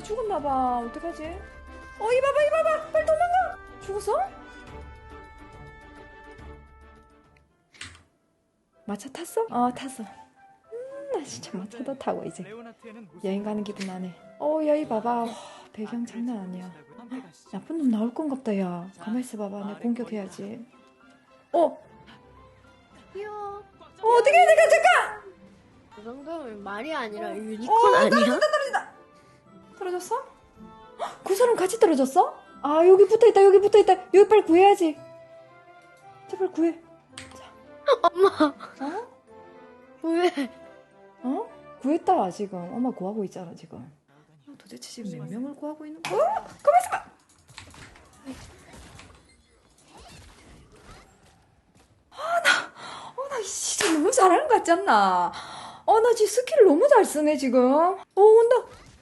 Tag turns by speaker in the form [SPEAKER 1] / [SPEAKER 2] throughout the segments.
[SPEAKER 1] 죽었나봐. 어떡하지? 이봐봐. 빨리 도망가. 죽었어? 마차 탔어? 탔어. 나 진짜 마차도 타고 이제 여행 가는 기분 나네. 야, 봐봐. 와, 배경 장난 아니야. 나쁜 놈 나올 건갑다, 야. 가만 있어봐봐. 내가 공격해야지.
[SPEAKER 2] 귀여워.
[SPEAKER 1] 어떻게 해야 돼? 잠깐!
[SPEAKER 2] 그 정도면 말이 아니라 유니콘 아니야?
[SPEAKER 1] 떨어졌어? 그 사람 같이 떨어졌어? 여기 붙어있다. 여기 빨리 구해야지. 제발 구해.
[SPEAKER 2] 엄마. 왜?
[SPEAKER 1] 구했다 지금. 엄마 구하고 있잖아 지금. 도대체 지금 몇 명을 구하고 있는 거야? 가만 있어봐. 나 진짜 너무 잘하는 것 같지 않나? 나 지금 스킬을 너무 잘 쓰네 지금. 온다.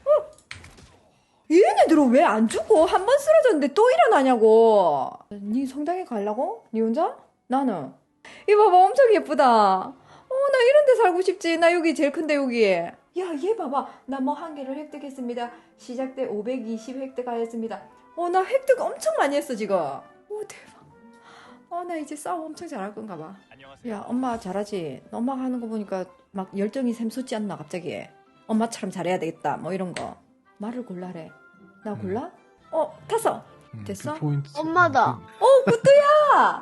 [SPEAKER 1] 얘네들은 왜 안 죽어? 한 번 쓰러졌는데 또 일어나냐고. 니 성당에 가려고? 니 혼자? 나는. 이거 봐봐, 엄청 예쁘다. 나 이런 데 살고 싶지. 나 여기 제일 큰데, 여기. 야, 얘 봐봐. 나 뭐 한 개를 획득했습니다. 시작 때 520 획득하였습니다. 나 획득 엄청 많이 했어, 지금. 대박. 나 이제 싸움 엄청 잘할 건가 봐. 야, 엄마 잘하지? 엄마가 하는 거 보니까 막 열정이 샘솟지 않나, 갑자기. 엄마처럼 잘해야 되겠다, 뭐 이런 거. 말을 골라래. 나 골라? 탔어. 됐어?
[SPEAKER 2] 엄마다.
[SPEAKER 1] 구뚜야!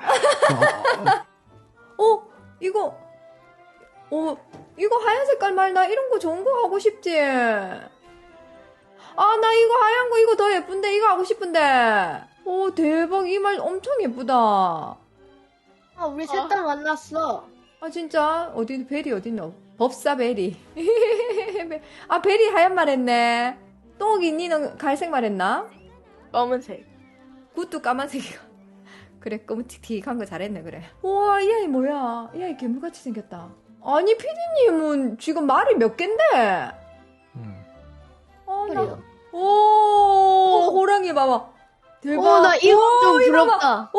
[SPEAKER 1] 이거 하얀 색깔 말 나 이런 거 좋은 거 하고 싶지. 나 이거 하얀 거 이거 더 예쁜데 이거 하고 싶은데. 대박 이 말 엄청 예쁘다.
[SPEAKER 2] 우리 셋 다 만났어.
[SPEAKER 1] 진짜? 베리 어딨노? 법사 베리. 베리 하얀 말 했네. 똥이 니는 갈색 말 했나?
[SPEAKER 2] 검은색.
[SPEAKER 1] 굿도 까만색이고. 그래, 검은틱틱한 거 잘했네, 그래. 우와, 이 아이 뭐야? 이 아이 괴물같이 생겼다. 아니, 피디님은 지금 말이 몇 갠데?
[SPEAKER 2] 그래요.
[SPEAKER 1] 호랑이 봐봐. 대박.
[SPEAKER 2] 나 이거 좀 부럽다.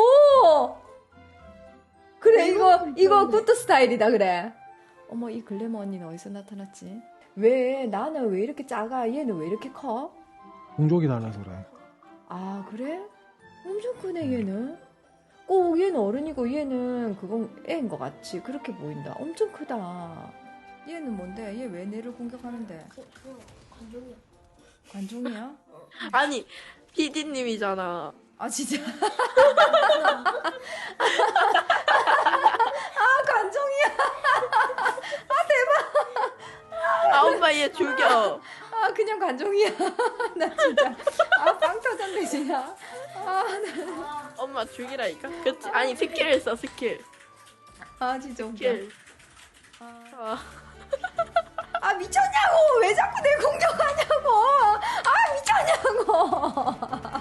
[SPEAKER 1] 그래, 이거 굿도 스타일이다, 그래. 어머, 이 글래머 언니는 어디서 나타났지? 나는 왜 이렇게 작아? 얘는 왜 이렇게 커?
[SPEAKER 3] 공족이 달라서 그래.
[SPEAKER 1] 그래? 엄청 크네, 얘는. 꼭 얘는 어른이고 얘는 그건 애인 것 같이 그렇게 보인다. 엄청 크다. 얘는 뭔데? 얘 왜 내를 공격하는데?
[SPEAKER 2] 관종이야.
[SPEAKER 1] 관종이야?
[SPEAKER 4] 아니 PD님이잖아.
[SPEAKER 1] 진짜? 관종이야?
[SPEAKER 4] 엄마 얘 죽여.
[SPEAKER 1] 그냥 관종이야. 나 진짜 빵 터졌네 진짜.
[SPEAKER 4] 엄마 죽이라니까. 그치? 아니 스킬 써 스킬.
[SPEAKER 1] 진짜 웃겨.
[SPEAKER 4] 스킬.
[SPEAKER 1] 미쳤냐고! 왜 자꾸 내 공격하냐고! 미쳤냐고!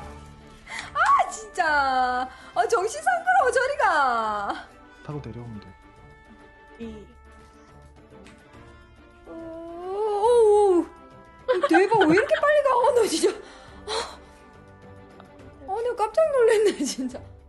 [SPEAKER 1] 진짜! 정신 상그러워, 저리가!
[SPEAKER 3] 타고 내려오면 돼.
[SPEAKER 1] 대박, 왜 이렇게 빨리 가? 너 진짜. 내가 깜짝 놀랐네, 진짜.